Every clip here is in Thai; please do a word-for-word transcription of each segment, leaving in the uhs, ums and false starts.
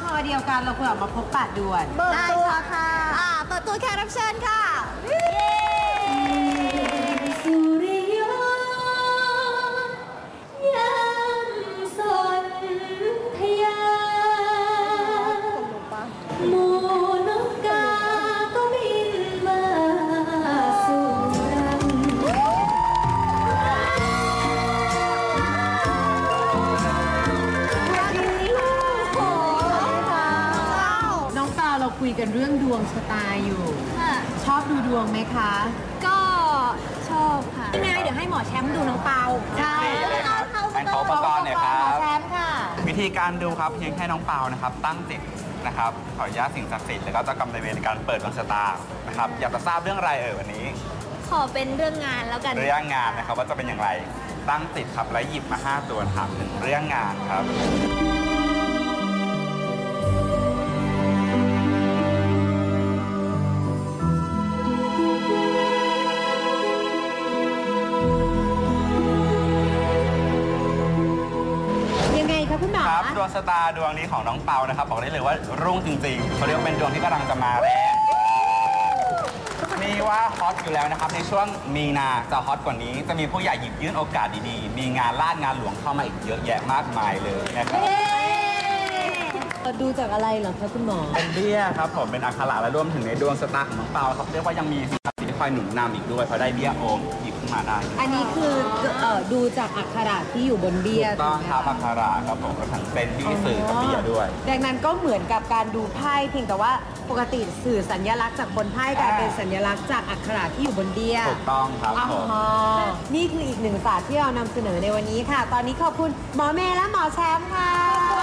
อเดียวกันเราควรออกมาพบปะด่วนเปิดตัวค่ะอ่าเปิดตัวแขกรับเชิญค่ะสุริยนต์ยามสนธยาโมนกกาก็บินมาสู่รังน้องเปาเราคุยกันเรื่องดวงชะตาอยู่ชอบดูดวงไหมคะก็ชอบค่ะยังไงเดี๋ยวให้หมอแชมป์ดูน้องเปาใช่แอนเขาอุปกรณ์หน่อยครับแชมป์ค่ะวิธีการดูครับเพียงแค่น้องเปานะครับตั้งจิตนะครับขออนุญาตสิ่งศักดิ์สิทธิ์แล้วก็เจ้ากรรมนายเวรในการเปิดดวงชะตานะครับอยากจะทราบเรื่องอะไรเอ่ยวันนี้ขอเป็นเรื่องงานแล้วกันเรื่องงานนะครับว่าจะเป็นอย่างไรตั้งจิตครับแล้วหยิบมาห้าตัวถามถึงเรื่องงานครับครับดวงชะตาดวงนี้ของน้องเปานะครับบอกได้เลยว่ารุ่งจริงๆเขาเรียกว่าเป็นดวงที่กำลังจะมาแรงมีว่าฮอตอยู่แล้วนะครับในช่วงมีนาจะฮอตกว่านี้จะมีผู้ใหญ่หยิบยื่นโอกาสดีๆมีงานลาดงานหลวงเข้ามาอีกเยอะแยะมากมายเลยนะครับดูจากอะไรเหรอคะคุณหมอเป็นเบี้ยครับผมเป็นอักขระและรวมถึงในดวงชะตาของน้องเปาครับเรียกว่ายังมีสิ่งศักดิ์สิทธิ์ที่คอยหนุนนำอีกด้วยเพราะได้เบี้ยโอมหยิบขึ้นมาได้อันนี้คือเอ่อดูจากอักขระที่อยู่บนเบี้ยถูกต้องครับอักขระครับผมก็ทั้งเป็นที่สื่อกับเบี้ยด้วยดังนั้นก็เหมือนกับการดูไพ่เพียงแต่ว่าปกติสื่อสัญลักษณ์จากบนไพ่กลายเป็นสัญลักษณ์จากอักขระที่อยู่บนเบี้ยถูกต้องครับผมนี่คืออีกหนึ่งศาสตร์ที่เรานำเสนอในวันนี้ค่ะตอนนี้ขอบคุณหมอเมย์และหมอแชมป์ค่ะ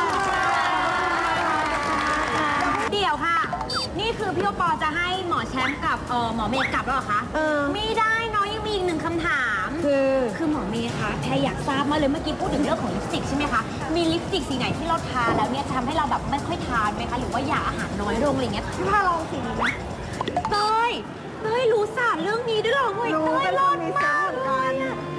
เดี๋ยวค่ะนี่คือพี่โอปอจะให้หมอแชมป์กับเออหมอเมย์กลับแล้วเหรอคะเออไม่ได้น้องยังมีอีกหนึ่งคำถามคือคือหมอเมย์คะแพรอยากทราบมาเลยเมื่อกี้พูดถึงเรื่องของลิปสติกใช่ไหมคะมีลิปสติกสีไหนที่เราทาแล้วเนี่ยทำให้เราแบบไม่ค่อยทานไหมคะหรือว่าอยากอาหารน้อยลงอะไรเงี้ยพี่พาลองสีนี้ไหมเต้ยเต้ยรู้ศาสตร์เรื่องนี้ด้วยเหรอเฮ้ยเต้ยรอดมากเลย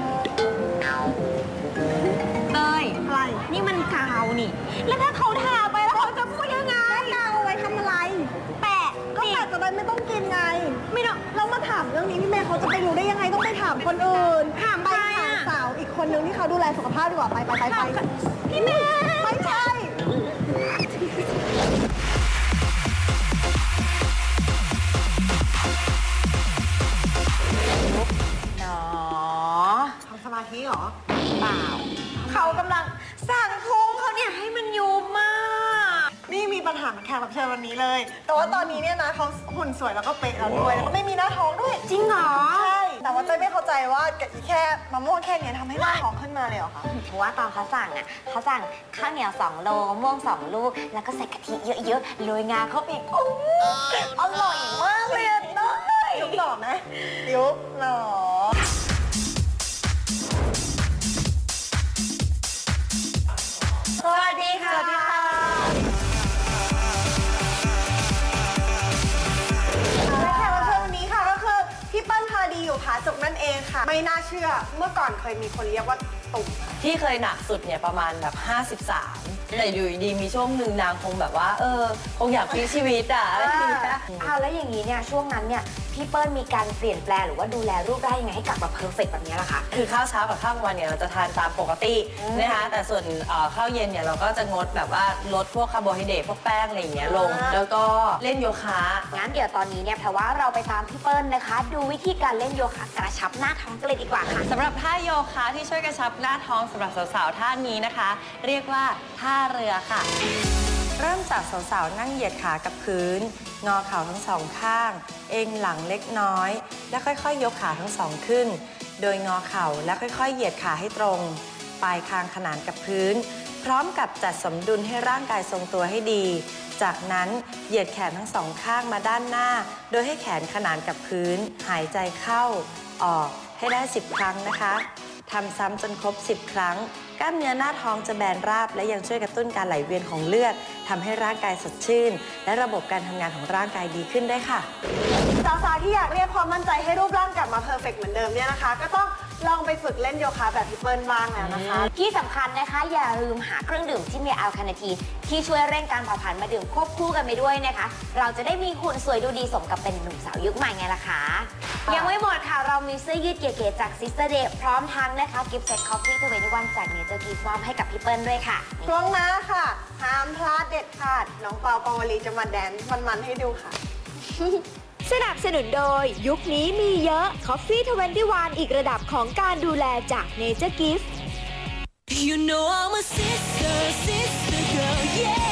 เต้ยอะไรนี่มันกาวนี่แล้วถ้าเขาทาไปแล้วเขาจะพูดยังไงกาวเอาไว้ทำอะไรแปะก็แปะจะได้ไม่ต้องกินไงไม่ต้องเรามาถามเรื่องนี้พี่เมย์เขาจะไปรู้ได้ยังไงต้องไปถามคนอื่นถามไปถามสาวอีกคนนึงที่เขาดูแลสุขภาพดีกว่าไปไปไปไปพี่เมย์ไม่ใช่หนอทำสมาธิเหรอเปล่าเขากำลังสั่งพุงเขาเนี่ยให้มันยุบมากนี่มีปัญหาแขกรับเชิญวันนี้เลยแต่ว่าตอนนี้เนี่ยนะเขาหุ่นสวยแล้วก็เป๊ะแล้วด้วยแล้วก็ไม่มีหน้าท้องด้วยจริงเหรอใช่แต่ว่าเต้ยไม่เข้าใจว่าแค่มะม่วงแค่นี้ทำให้หน้าท้องขึ้นมาเลยเหรอคะเพราะว่าตอนเขาสั่งอ่ะเขาสั่งข้าวเหนียวสองโลมะม่วงสองลูกแล้วก็ใส่กะทิเยอะๆโรยงาเข้าไปอีกโอ้อร่อยมากเลยเต้ยยุบหล่อไหมยุบหล่อสวัสดีค่ะสวัสดีค่ะและแขกรับเชิญวันนี้ค่ะก็คือพี่เปิ้ลพาดีอยู่ผาสุกนั่นเองค่ะไม่น่าเชื่อเมื่อก่อนเคยมีคนเรียกว่าตุ่มที่เคยหนักสุดเนี่ยประมาณแบบห้าสิบสามแต่อยู่ดีมีช่วงหนึ่งนางคงแบบว่าเออคงอยากพลิกชีวิตอ่ะอะไรอย่างเงี้ยอ้าวแล้วอย่างนี้เนี่ยช่วงนั้นเนี่ยพี่เปิ้ลมีการเปลี่ยนแปลงหรือว่าดูแลรูปได้ยังไงให้กลับมาเพอร์เฟกต์แบบนี้ล่ะคะคือข้าวเช้ากับข้าวกลางวันเนี่ยเราจะทานตามปกตินะคะแต่ส่วนข้าวเย็นเนี่ยเราก็จะงดแบบว่าลดพวกคาร์โบไฮเดรตพวกแป้งอะไรอย่างเงี้ยลงแล้วก็เล่นโยคะงั้นเดี๋ยวตอนนี้เนี่ยแปลว่าเราไปตามพี่เปิ้ลนะคะดูวิธีการเล่นโยคะกระชับหน้าท้องกันเลยดีกว่าค่ะสำหรับท่าโยคะที่ช่วยกระชับหน้าท้องสำหรับสาวๆท่านี้นะคะเรียกว่าท่าเรือค่ะเริ่มจากสาวๆนั่งเหยียดขากับพื้นงอเข่าทั้งสองข้างเอ็นหลังเล็กน้อยและค่อยๆยกขาทั้งสองขึ้นโดยงอเข่าและค่อยๆเหยียดขาให้ตรงปลายคางขนานกับพื้นพร้อมกับจัดสมดุลให้ร่างกายทรงตัวให้ดีจากนั้นเหยียดแขนทั้งสองข้างมาด้านหน้าโดยให้แขนขนานกับพื้นหายใจเข้าออกให้ได้สิบครั้งนะคะทำซ้ำจนครบสิบครั้งกล้ามเนื้อหน้าท้องจะแบนราบและยังช่วยกระตุ้นการไหลเวียนของเลือดทำให้ร่างกายสดชื่นและระบบการทำงานของร่างกายดีขึ้นได้ค่ะสาวๆที่อยากเรียกความมั่นใจให้รูปร่างกลับมาเพอร์เฟกต์เหมือนเดิมเนี่ยนะคะก็ต้องลองไปฝึกเล่นโยคะแบบพี่เปิ้ลบ้างแล้วนะคะที่สำคัญนะคะอย่าลืมหาเครื่องดื่มที่มีแอลคาเนทีนที่ช่วยเร่งการเผาผลาญมาดื่มควบคู่กันไปด้วยนะคะ เราจะได้มีหุ่นสวยดูดีสมกับเป็นหนุ่มสาวยุคใหม่ไงล่ะคะยังไม่หมดค่ะเรามีเสื้อยืดเก๋ๆจาก Sister Day พร้อมทั้งนะคะกิฟต์เซ็ตคอฟฟี่ทเวนตี้วันจากเนเจอร์กิฟต์มอบให้กับพี่เปิ้ลด้วยค่ะช่วงหน้าค่ะห้ามพลาดเด็ดขาดน้องเปาปาวลีจะมาแดนซ์มันๆให้ดูค่ะสนับสนุนโดยยุคนี้มีเยอะ Coffee ทเวนตี้วัน อีกระดับของการดูแลจาก Nature Gift You know I'm a sister, sister girl, yeah.